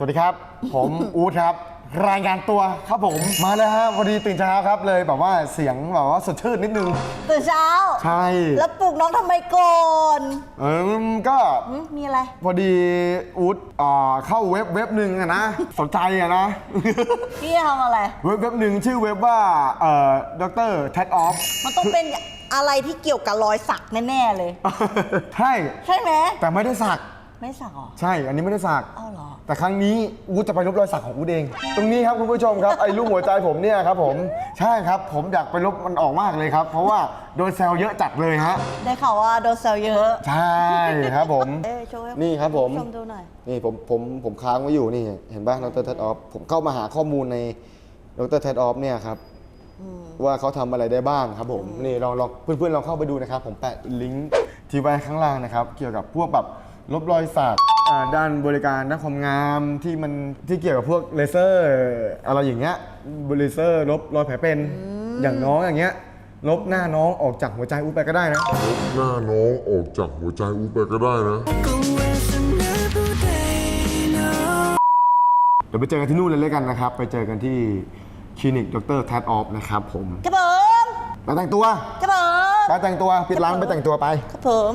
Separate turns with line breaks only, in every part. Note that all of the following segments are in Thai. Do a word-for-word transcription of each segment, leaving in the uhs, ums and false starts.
วัสดีครับผมอู๊ดครับรายงานตัวครับผมมาเลยฮะพอดีตื่นเช้าครับเลยแบบว่าเสียงแบบว่าสดชื่นนิดนึง
ตื่นเช้า
ใช่
แล้วปลุกน้องทำไมก่อน
เออก็
มีอะไร
พอดีอู๊ดเข้าเว็บเว็บหนึ่งอะนะสนใจอะนะ
พี่ทำอะไร
เว็บเว็บหนึ่งชื่อเว็บว่าเอ่อด็อกเตอร์แท็กออฟ
มันต้องเป็นอะไรที่เกี่ยวกับรอยสักแน่ๆเลย
ใช่
ใช่ไหม
แต่ไม่ได้สัก
ไม่สักหรอ
ใช่อันนี้ไม่ได้สัก
อ้าวเหรอ
แต่ครั้งนี้อู๊ดจะไปลบรอยสักของอู๊ดเองตรงนี้ครับคุณผู้ชมครับไอ้ลูกหัวใจผมเนี่ยครับผมใช่ครับผมอยากไปลบมันออกมากเลยครับเพราะว่าโดนแซวเยอะจัดเลยฮะ
ได้ข่าวว่าโดนแซวเยอะ
ใช่ครับผม
เอ้ยโชว์ให้
นี่ครับผม
ชมดูหน่อย
นี่ผมผมผมค้างไว้อยู่นี่เห็นป่ะดร. เท็ดออฟผมเข้ามาหาข้อมูลในดร. เท็ดออฟเนี่ยครับว่าเขาทำอะไรได้บ้างครับผมนี่ลองลองเพื่อนๆลองเข้าไปดูนะครับผมแปะลิงก์ที่ไว้ข้างล่างนะครับเกี่ยวกับพวกแบบลบรอยสักด้านบริการด้านความงามที่มันที่เกี่ยวกับพวกเลเซอร์อะไรอย่างเงี้ยเลเซอร์ลบรอยแผลเป็นอย่างน้องอย่างเงี้ยลบหน้าน้องออกจากหัวใจอู๊ดไปก็ได้นะ
ลบหน้าน้องออกจากหัวใจอู๊ดไปก็ได้นะ
เดี๋ยวไปเจอกันที่นู่นเลยเลยกันนะครับไปเจอกันที่คลินิกดร. แท็ดออฟนะครับผม
ครับผม
ไปแต่งตัว
ครับผม
ไปแต่งตัวปิดร้านไปแต่งตัวไป
ครับผม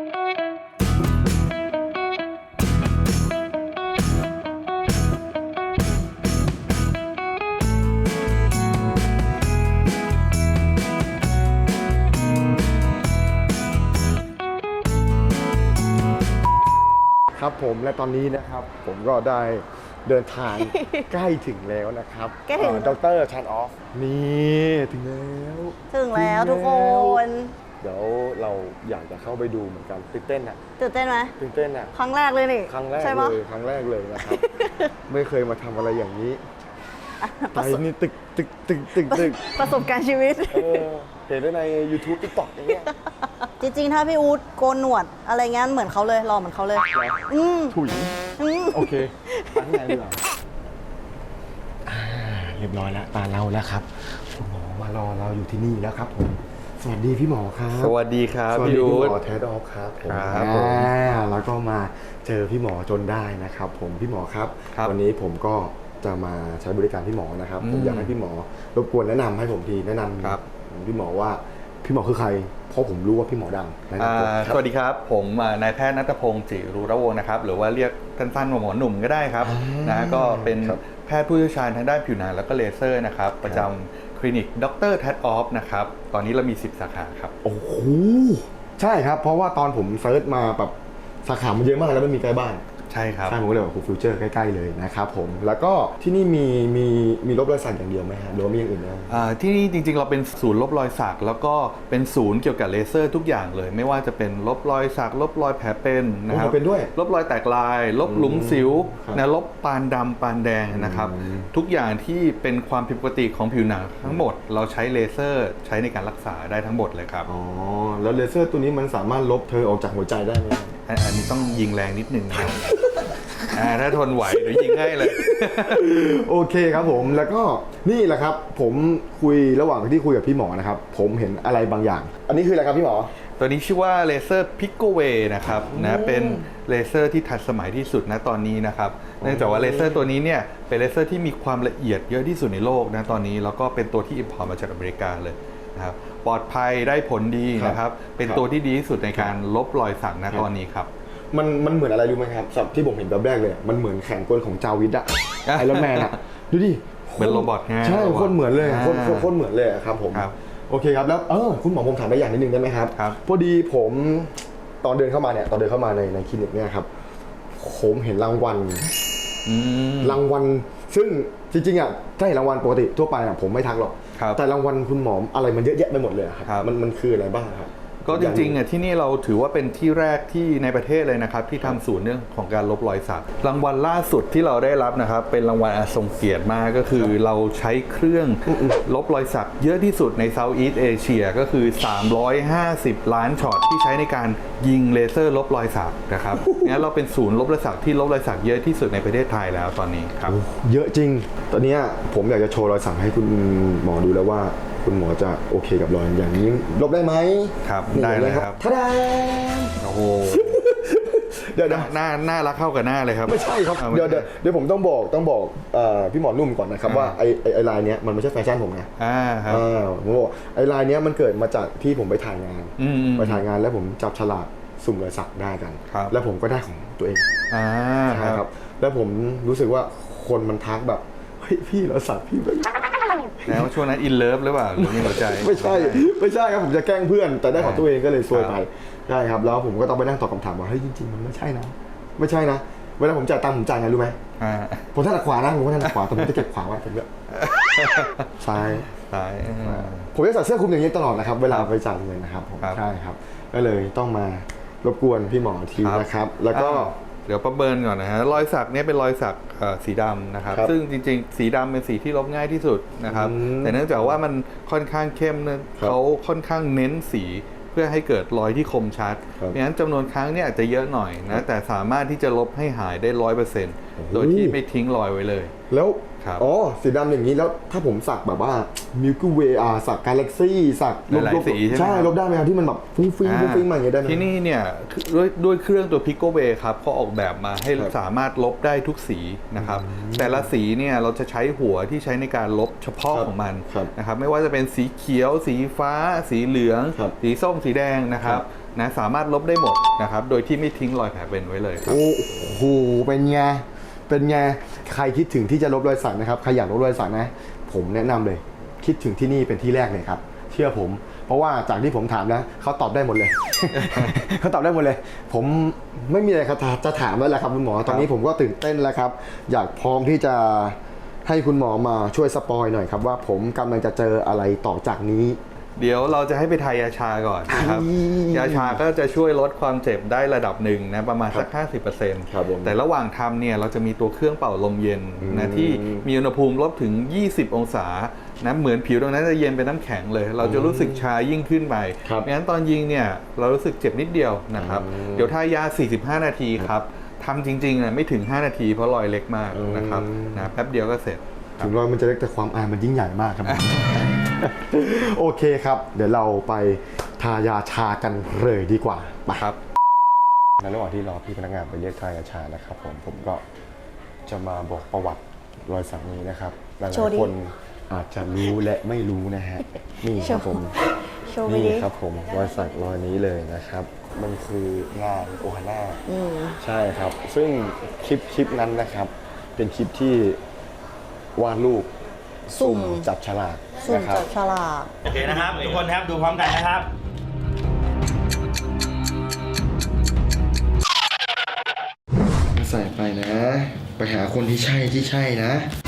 ครับผมและตอนนี้นะครับผมก็ได้เดินทางใกล้ถึงแล้วนะครับ
ใกล้ถึง
ดร. แท็ดออฟนี่ถึงแล้ว
ถึงแล้วทุกคน
เดี๋ยวเราอยากจะเข้าไปดูเหมือนกันตื่นเต้นอ่ะ
ตื่นเต้นไหม
ตื่นเต้นอ่ะ
ครั้งแรกเลยนี่
ครั้งแรกเลยครั้งแรกเลยนะครับไม่เคยมาทำอะไรอย่างนี้ไปนี่ตึกตึกตึกตึกตึก
ประสบการณ์ชีวิต
เห็นได้ใน ยูทูบ ติ๊กต็อก อย่างเงี้ย
จริงๆถ้าพี่อู๊ดโกนหนวดอะไรเงี้ยเหมือนเขาเลยรอเหมือนเขาเลย
อืมถุยโอเคตั้งใจดีกว่าเรียบร้อยแล้วตาเราแล้วครับคุณหมอมารอเราอยู่ที่นี่แล้วครับผมสวัสดีพี่หมอครับ
สวัสดีครับ
พี่อู๊ดพี่หมอแท็ดออฟครับ
ผม
แล้วก็มาเจอพี่หมอจนได้นะครับผมพี่หมอครับวันนี้ผมก็จะมาใช้บริการพี่หมอนะครับผมอยากให้พี่หมอรบกวนแนะนำให้ผมทีแนะนำพี่หมอว่าพี่หมอคือใครเพราะผมรู้ว่าพี่หมอดัง
สวัสดีครับผมนายแพทย์ณัฐพงศ์จิรุระวงศ์นะครับหรือว่าเรียกสั้นๆว่าหมอหนุ่มก็ได้ครับนะก็เป็นแพทย์ผู้เชี่ยวชาญทางด้านผิวหนังแล้วก็เลเซอร์นะครับประจำคลินิกดร. แท็ดออฟนะครับตอนนี้เรามีสิบสาขาครับ
โอ้โหใช่ครับเพราะว่าตอนผมเซิร์ชมาแบบสาขามันเยอะมากแล้วไม่มีใกล้บ้าน
ใช่ครับ
ใช่ผมก็เลยบอกคุณฟิวเจอร์ใกล้ๆเลยนะครับผมแล้วก็ที่นี่มีมีมีลบรอยสักอย่างเดียวไหมฮะหรือว่ามีอย่างอื่นไหม
อ่าที่นี่จริงๆเราเป็นศูนย์ลบรอยสักแล้วก็เป็นศูนย์เกี่ยวกับเลเซอร์ทุกอย่างเลยไม่ว่าจะเป็นลบรอยสักลบรอยแผลเป็นนะครับ
เป็นด้วย
ลบรอยแตกลายลบหลุมสิวนะลบปานดำปานแดงนะครับทุกอย่างที่เป็นความผิดปกติของผิวหนังทั้งหมดเราใช้เลเซอร์ใช้ในการรักษาได้ทั้งหมดเลยครับ
อ๋อแล้วเลเซอร์ตัวนี้มันสามารถลบเธอออกจากหัวใจได้ไหม
อันนี้ต้องยิงแรงนิดนึงนะครับถ้าทนไหวเดี๋ยวยิงให้เลย
โอเคครับผมแล้วก็นี่แหละครับผมคุยระหว่างที่คุยกับพี่หมอนะครับผมเห็นอะไรบางอย่างอันนี้คืออะไรครับพี่หมอ
ตัวนี้ชื่อว่าเลเซอร์พิกโกเวนะครับนะเป็นเลเซอร์ที่ทันสมัยที่สุดนะตอนนี้นะครับเนื่องจากว่าเลเซอร์ตัวนี้เนี่ยเป็นเลเซอร์ที่มีความละเอียดเยอะที่สุดในโลกนะตอนนี้แล้วก็เป็นตัวที่อิมพอร์ตมาจากอเมริกาเลยนะครับปลอดภัยได้ผลดีนะครับเป็นตัวที่ดีที่สุดในการลบรอยสักนะตอนนี้ครับ
มันมันเหมือนอะไรรู้ไหมครับสับที่ผมเห็นแบบแรกเลยมันเหมือนแขนกลของจาวิดอะไอรอนแมนอะดูดิ
เป็นโรบอทไง
ใช่โคตรเหมือนเลยโคตรโคตรเหมือนเลยครับผมโอเคครับแล้วเออคุณหมอผมถามได้อย่างนิดนึงได้ไหมครับพอดีผมตอนเดินเข้ามาเนี่ยตอนเดินเข้ามาในในคลินิกเนี่ยครับผมเห็นรางวัลรางวัลซึ่งจริงๆอ่ะถ้าเห็นรางวัลปกติทั่วไปอ่ะผมไม่ทักหรอกแต่รางวัลคุณหมออะไรมันเยอะแยะไปหมดเลยครับมันมันคืออะไรบ้างครับ
ก็จริงๆอ่ะที่นี่เราถือว่าเป็นที่แรกที่ในประเทศเลยนะครับที่ทำศูนย์เรื่องของการลบรอยสักรางวัลล่าสุดที่เราได้รับนะครับเป็นรางวัลอันทรงเกียรติมากก็คือเราใช้เครื่องลบรอยสักเยอะที่สุดในเซาท์อีสต์เอเชียก็คือสามร้อยห้าสิบล้านช็อตที่ใช้ในการยิงเลเซอร์ลบรอยสักนะครับงั้นเราเป็นศูนย์ลบรอยสักที่ลบรอยสักเยอะที่สุดในประเทศไทยแล้วตอนนี้ครับ
เยอะจริงตอนนี้ผมอยากจะโชว์รอยสักให้คุณหมอดูแล้วว่าคุณหมอจะโอเคกับรอยอย่างนี้ลบได้ไหม
ครับได้เลยครับ
ท่าดา
โอ้โห
เดี๋ยวเดี๋ยว
หน้าหน้ารักเข้ากับหน้าเลยครับ
ไม่ใช่ครับ
อาไม่
เดี๋ยว
ใช่
เดี๋ยวเดี๋ยวผมต้องบอกต้องบอกเอ่อพี่หมอนุ่มก่อนนะครับ
อ่า
ว่าไอ้ไอ้ไอ้ลายเนี้ยมันไม่ใช่แฟชั่นผมนะ
อ่าครับ
อ่าผมบอกไอ้ลายเนี้ยมันเกิดมาจากที่ผมไปถ่ายงาน
อืมอืม
ไปถ่ายงานแล้วผมจับฉลากสุ่มรอยสักได้กัน
ครับ
แล้วผมก็ได้ของตัวเอง
อ่า
ใช่ครับ แล้วผมรู้สึกว่าคนมันทักแบบเฮ้ยพี่รอยสักพี่แบบ
แล้วช่วงนั้นอินเลิฟหรือเปล่าหรือมีหัวใจ
ไม่ใช่ไม่ใช่ครับผมจะแกล้งเพื่อน แต่ได้ของตัวเองก็เลยซวยไป
ครับ
ใช่ครับแล้วผมก็ต้องไปนั่งตอบคำถามว่าเฮ้ยจริงๆมันไม่ใช่นะ ไม่ใช่นะเวลาผมจ่ายตังค์ผมจ่ายไงรู้ไหม
อ่า
ผมถนัดขวานะผมก็ถนัดขวาแต่ผมจะเก็บขวาไว้ผมเนี่ยซ้าย
ตายอ่า
ผมจะใส่เสื้อคลุมอย่างนี้ตลอดนะครับ เวลาไปจ่ายเงินนะครับผม
ครับ
ใช่ครับ ก็เลยต้องมารบกวนพี่หมอทีนะครับ แล้วก็
อ้าวเดี๋ยวประเมินก่อนนะฮะรอยสักเนี่ยเป็นรอยสักเอ่อสีดำนะครับ
ครับ
ซึ่งจริงๆ สีดำเป็นสีที่ลบง่ายที่สุดนะครับ
อืม
แต่เนื่องจากว่ามันค่อนข้างเข้มเนี่ย
ครับ
เขาค่อนข้างเน้นสีเพื่อให้เกิดรอยที่คมชัด
ครับ
เพราะฉะนั้นจำนวนครั้งเนี่ยอาจจะเยอะหน่อยนะแต่สามารถที่จะลบให้หายได้ร้อยเปอร์เซ็นต์
โอ้โห
โดยที่ไม่ทิ้งรอยไว้เลย
แล้ว
ครับ
อ๋อสีดำอย่างนี้แล้วถ้าผมสักแบบว่า Milky Way อ่าสัก Galaxy สัก
หลายๆสีใช่ไหม
ใช่
ครับ
ลบได้ไหมครับที่มันแบบฟุ้งฟิ้งฟุ้งฟิ้งมาอย่างเงี้ยได้ไหม
ที่นี่เนี่ยคือด้วยด้วยเครื่องตัว Picoway ครับเขาออกแบบมาให้
ครับ
สามารถลบได้ทุกสีนะครับแต่ละสีเนี่ยเราจะใช้หัวที่ใช้ในการลบเฉพาะ
ครับ
ของมัน
ครับ
นะครับไม่ว่าจะเป็นสีเขียว สีฟ้า สีเหลือง
ครับ
สีส้มสีแดงนะครั
ครับ บ
นะสามารถลบได้หมดนะครับโดยที่ไม่ทิ้งรอยแผลเป็นไว้เลยครับ
โอ้โหเป็นไงเป็นไงใครคิดถึงที่จะลบรอยสักนะครับใครอยากลบรอยสักนะ ผมแนะนำเลย คิดถึงที่นี่เป็นที่แรกเลยครับ เชื่อผม เพราะว่าจากที่ผมถามนะเขาตอบได้หมดเลย เขาตอบได้หมดเลย ผมไม่มีอะไรครับจะถามแล้วแหละครับคุณหมอ ตอนนี้ผมก็ตื่นเต้นแล้วครับ อยากพร้อมที่จะให้คุณหมอมาช่วยสปอยหน่อยครับว่าผมกำลังจะเจออะไรต่อจากนี้
เดี๋ยวเราจะให้ไปทายาชาก่อนนะครับ
อืม
ยาชาก็จะช่วยลดความเจ็บได้ระดับหนึ่งนะประมาณสัก ห้าสิบเปอร์เซ็นต์
ครับผม
แต่ระหว่างทำเนี่ยเราจะมีตัวเครื่องเป่าลมเย็น
อืม
นะที่มีอุณหภูมิลบถึง ยี่สิบ องศานะเหมือนผิวตรงนั้นจะเย็นเป็นน้ำแข็งเลย เราจะรู้สึกชายิ่งขึ้นไป
ครับ
งั้นตอนยิงเนี่ยเรารู้สึกเจ็บนิดเดียวนะครับ
อืม
เดี๋ยวทายา สี่สิบห้า นาทีครับทำจริงๆนะไม่ถึง ห้า นาทีเพราะรอยเล็กมากนะครับ
อืม
นะแป๊บเดียวก็เสร็จ
ถึงรอยมันจะเล็กแต่ความอายมันยิ่งใหญ่มากครับ โอเคครับ เดี๋ยวเราไปทายาชากันเลยดีกว่าไป
ครับ
ในระหว่างที่รอพี่พนักงานไปเรียกทายาชานะครับผมผมก็จะมาบอกประวัติรอยสักนี้นะครับหลาย
โชว์ดิ
ๆคนอาจจะรู้และไม่รู้นะฮะนี่ครับผม
โชว์ไป
นี่
ดิ
ครับผมรอยสักรอยนี้เลยนะครับ มันคืองานโอฮาน่า
อืม
ใช่ครับ ซึ่งคลิปคลิปนั้นนะครับ เป็นคลิปที่วาดรูป
สุ่ม
จับฉลาก
สุ่ม
นะครับ
จับฉลาก
โอเคนะครับ ทุกคนครับดูพร้อมกันนะครับ
ใส่ไปนะ ไปหาคนที่ใช่ที่ใช่นะ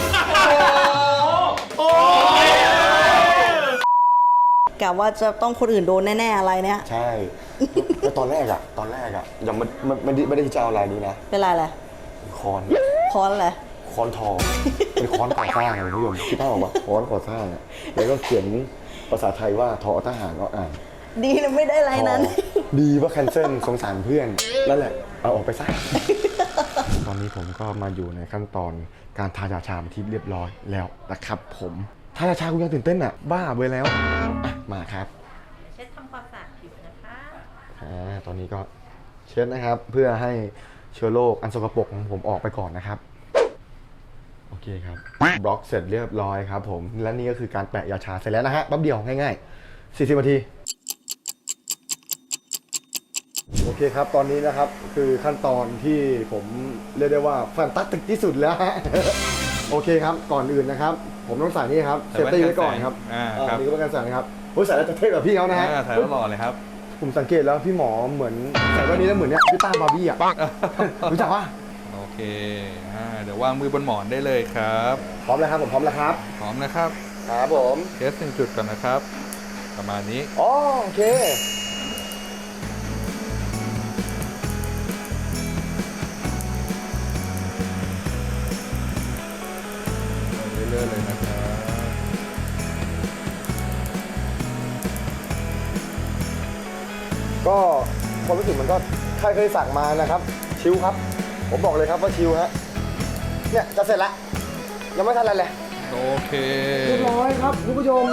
กะว่าจะต้องคนอื่นโดนแน่ ๆ อะไรเนี่ย
ใช่แล้วตอนแรกอะตอนแรกอะยังไม่ไม่ไม่ได้ไม่ได้จะเอาลายนี้นะ
เป็นไรเลย
คอน
คอนเลย
คอนทองเป็นคอนก่อสร้างเลยคุณผู้ชมคิดภาพออกปะคอนก่อสร้างอะแล้วก็เขียนภาษาไทยว่าทอทหารก็อ่าน
ดีนะไม่ได้ไรนั้น
ดีว่าแคนเซิลสงสารเพื่อนนั่นแหละ เอาออกไปซะ ตอนนี้ผมก็มาอยู่ในขั้นตอนการทายาชาที่เรียบร้อยแล้วนะครับผมทายาชาคุณยังตื่นเต้นอ่ะ บ้าไปแล้วอ่ะมาครับ
เช็ดทำความสะอาดผิวนะคะ
อ่าตอนนี้ก็เช็ดนะครับ เพื่อให้เชื้อโรคอันสกปรกของผมออกไปก่อนนะครับ โอเคครับ บล็อกเสร็จเรียบร้อยครับผม และนี่ก็คือการแปะยาชาเสร็จแล้วนะฮะแป๊บเดียวง่ายๆสี่สิบนาที โอเคครับ ตอนนี้นะครับคือขั้นตอนที่ผมเรียกได้ว่าแฟนตาสติกที่สุดแล้วฮะ โอเคครับก่อนอื่นนะครับ ผมต้องใส่นี่ครับ
ใส่
เซฟ
แว่น
ตี้
กัน
ไว้ก่อนครับ
แสงอ่า
อ่า
ครับ
นี่ก็เป็นการใส่นะครับโอ้ยใส่แล้วจะเท่กับพี่เขานะฮะ
อ่าถ่ายแล้วหล่อเลยครับ
ผมสังเกตแล้วพี่หมอเหมือนใส่แว่นนี้แล้วเหมือนเนี้ยพี่ต้าบาร์บี้อ่ะ รู้จักปะ
โอเคอ่าเดี๋ยววางมือบนหมอนได้เลยครับ
พร้อมแล้วครับผมพร้อมแล้วครับ
พร้อมนะครับ
ครับผม
เทสหนึ่งจุดก่อนนะครับ ประมาณนี้
อ๋อโอเค
เรื่อยๆเลยนะครับ
ก็ความรู้สึกมันก็ใครเคยสั่งมานะครับ ชิลครับ ผมบอกเลยครับว่าชิลฮะเนี่ยจะเสร็จแล้วยังไม่ทันอะไรเลย
โอเค
เรียบร้อยครับคุณผู้ชม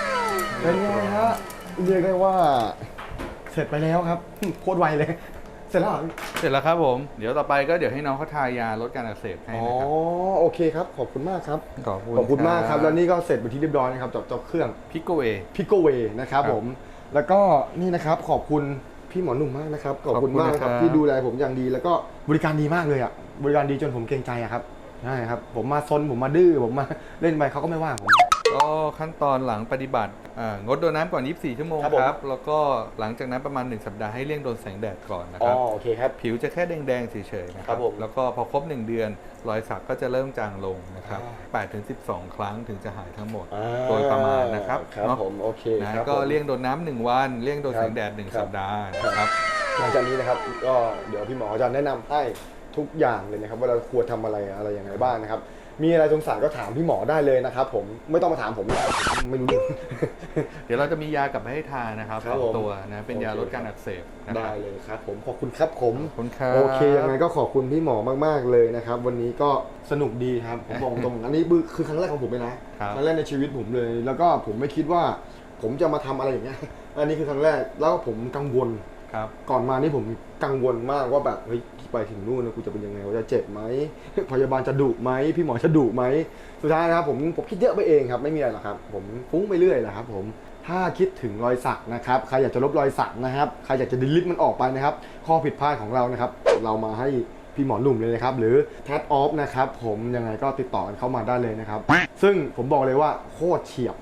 เป็นไงฮะเรียกได้ว่า เสร็จไปแล้วครับ โคตรไวเลย เสร็จแล้วเหรอ
เสร็จแล้วครับผมเดี๋ยวต่อไปก็เดี๋ยวให้น้องเขาทายาลดการอักเสบให้
อ๋อ
นะครับ
โอเคครับขอบคุณมากครับ
ขอบคุณ
ขอบคุณมากครับ
ครับ
แล้วนี่ก็เสร็จเป็นที่เรียบร้อยนะครับจากจากเครื่อง
พิกโกเว
พิโกเวนะครับ
ครับ
ผมแล้วก็นี่นะครับขอบคุณพี่หมอหนุ่มมากนะครับขอบคุณ
ขอบคุณ
มาก
นะครับ
ที่ดูแลผมอย่างดีแล้วก็บริการดีมากเลยอ่ะบริการดีจนผมเกรงใจอะครับใช่ครับผมมาซนผมมาดื้อผมมาเล่นไปเขาก็ไม่ว่าผม
ก็ขั้นตอนหลังปฏิบัติอ่างดโดนน้ำก่อน ยี่สิบสี่ ชั่วโมง
ครับผม
ครับแล้วก็หลังจากนั้นประมาณหนึ่งสัปดาห์ให้เลี่ยงโดนแสงแดดก่อนนะ
อ๋
ค
อ
รับ
โอเคครับ
ผิวจะแค่แดงๆเฉยๆนะค
ครั
รับบ
ผม
แล้วก็พอครบหนึ่งเดือนรอยสักก็จะเริ่มจางลงนะครับ
อ่า
แปดถึงสิบสอง ครั้งถึงจะหายทั้งหมด
อ่า
โดยประมาณนะครับ
ครับ
เนาะ
ผมโอเค
นะครับ ก็
ผม
เลี่ยงโดนน้ำหนึ่งวันเลี่ยงโดน
ครับ
แสงแดดหนึ่ง
ครับ
สัปดาห์นะครับ
หลังจากนี้นะครับก็เดี๋ยวพี่หมอจะแนะนำให้ทุกอย่างเลยนะครับว่าเราควรทำอะไรอะไรอย่างไรบ้างนะครับมีอะไรสงสัยก็ถามพี่หมอได้เลยนะครับผมไม่ต้องมาถามผมผมไม่รู้เรื่อง
เดี๋ยวเราจะมียากลับมาให้ทานนะครับ
ครับ
สอง
ผม
ตัวนะเป็นยา
โอเค
ลดการอักเสบนะค
ได้
รับ
เลยครับผมขอบคุณครับผม
ขอบคุณครับ
โอเคยังไงก็ขอบคุณพี่หมอมากๆเลยนะครับวันนี้ก็สนุกดีครับผมบอกตรงอันนี้คือครั้งแรกของผมเลยนะครับ ครั้งแรกในชีวิตผมเลย แล้วก็ผมไม่คิดว่าผมจะมาทำอะไรอย่างเงี้ยอันนี้คือครั้งแรกแล้วผมกังวล
ครับ
ก่อนมานี่ผมกังวลมากว่าแบบเฮ้ยไปถึงนู่นนะกูจะเป็นยังไงว่าจะเจ็บไหม พยาบาลจะดุไหมพี่หมอจะดุไหมสุดท้ายนะครับผมผมคิดเยอะไปเองครับไม่มีอะไรหรอกครับผมฟุ้งไปเรื่อยแหละครับผมถ้าคิดถึงรอยสักนะครับใครอยากจะลบรอยสักนะครับใครอยากจะดิลิทมันออกไปนะครับข้อผิดพลาดของเรานะครับเรามาให้พี่หมอหนุ่มเลยนะครับหรือแทดออฟนะครับผมยังไงก็ติดต่อกันเข้ามาได้เลยนะครับซึ่งผมบอกเลยว่าโคตรเฉียบ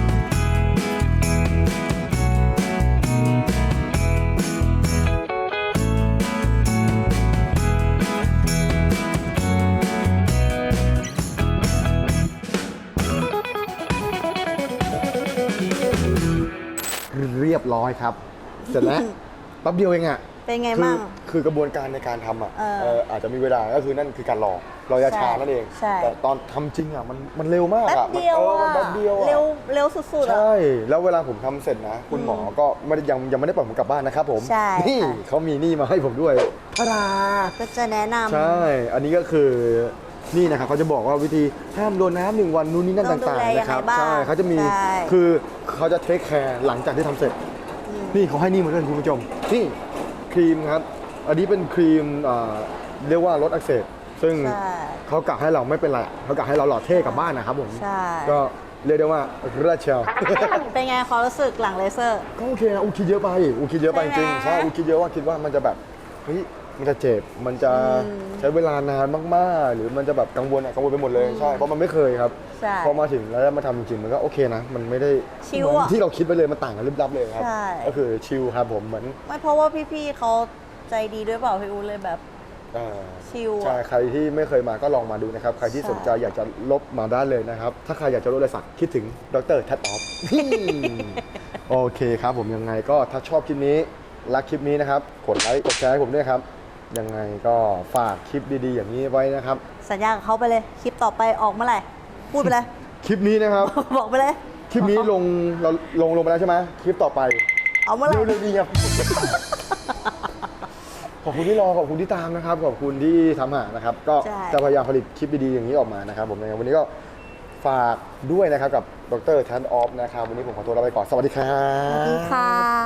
เรียบร้อยครับ เสร็จแล้ว แป๊บเดียวเองอ่ะ
เป็นไง
คือ
บ้าง
คือกระบวนการในการทำอ่ะ
เออ
เอ่ออาจจะมีเวลาก็คือนั่นคือการรอรอยาชานั่นเอง
ใช่
แต่ตอนทำจริงอ่ะมันมันเร็วมาก
แป๊บ
อ่ะ
เดียว
มันเออ
อ่ะ
แป๊บเดียวอ่ะ
เร็วเร็วสุดๆอ่ะ
ใช่ แล้วเวลาผมทำเสร็จนะ คุณหมอก็ไม่ได้ยังยังไม่ได้ปล่อยผมกลับบ้านนะครับผม
ใช่
นี่
ค่ะ
เขามีนี่มาให้ผมด้วยทาดา
ก็จะแนะนำ
ใช่ อันนี้ก็คือนี่นะครับเขาจะบอกว่าวิธีห้ามโดนน้ำหนึ่งวันนู่นนี่นั่น
ต้องดู
ต่าง
แล
ๆนะครับ
ยังไงบ้าง
ใช่เขาจะมี
ใช่
คือเขาจะเทคแคร์หลังจากที่ทำเสร็จ นี่เขาให้นี่มาด้วยคุณผู้ชมนี่ครีมครับ อันนี้เป็นครีมเอ่อเรียกว่าลดอักเสบซึ่ง
ใช่
เขากะให้เราไม่เป็นไรเขากะให้เราหล่อเท่กลับบ้านนะครับผม
ใช่
ก็เรียกได้ว่าเลือดเชียว
เป็นไงความรู้สึกหลังเลเซอร์
ก็โอเคนะอูคิดเยอะไปอูคิดเยอะไปจ
ใช่
ริง
ไหม
ๆใช่อูคิดเยอะว่าคิดว่ามันจะแบบเฮ้ยมันจะเจ็บมันจะ
อืม
ใช้เวลานานมากๆ หรือมันจะแบบกังวลอะกังวลไปหมดเลยใช่เพราะมันไม่เคยครับ
ใช่
พอมาถึงแล้วมาทำจริงๆมันก็โอเคนะ มันไม่ได้
ชิล
เหมือน
อะ
ที่เราคิดไปเลยมันต่างกันลิบลับเลยครับ
ใช่
ก็คือชิลครับผมเหมือน
ไม่เพราะว่าพี่ๆเขาใจดีด้วยเปล่าพี่อูเลยแบบ
อ่า
ชิลอะ
ใช่ใครที่ไม่เคยมาก็ลองมาดูนะครับ ใครที่
ใช่
สนใจอยากจะลบมาได้เลยนะครับ ถ้าใครอยากจะลดรอยสักคิดถึงดรแทดออฟ โอเคครับผมยังไงก็ถ้าชอบคลิปนี้รักคลิปนี้นะครับกดไลค์กดแชร์ให้ผมด้วยครับยังไงก็ฝากคลิปดีๆ อย่างนี้ไว้นะครับ
สัญญากับเขาไปเลย คลิปต่อไปออกเมื่อไหร่ พูดไปเลย
คลิปนี้นะครับ
บอกไปเลย
คลิปนี้ลงเราลงลงไปแล้วใช่ไหมคลิปต่อไป
เอาเมื่อไหร่
เร็วๆดีครับ ขอบคุณที่รอขอบคุณที่ตามนะครับ ขอบคุณที่ทำหานะครับ ก็
ใช่
จะพยายามผลิตคลิปดีๆอย่างนี้ออกมานะครับ ผมในวันนี้ก็ฝากด้วยนะครับกับดรแทนออฟนะครับวันนี้ผมขอตัวลาไปก่อนสวัสดีครั
สวัสดี
บ
ค่ะ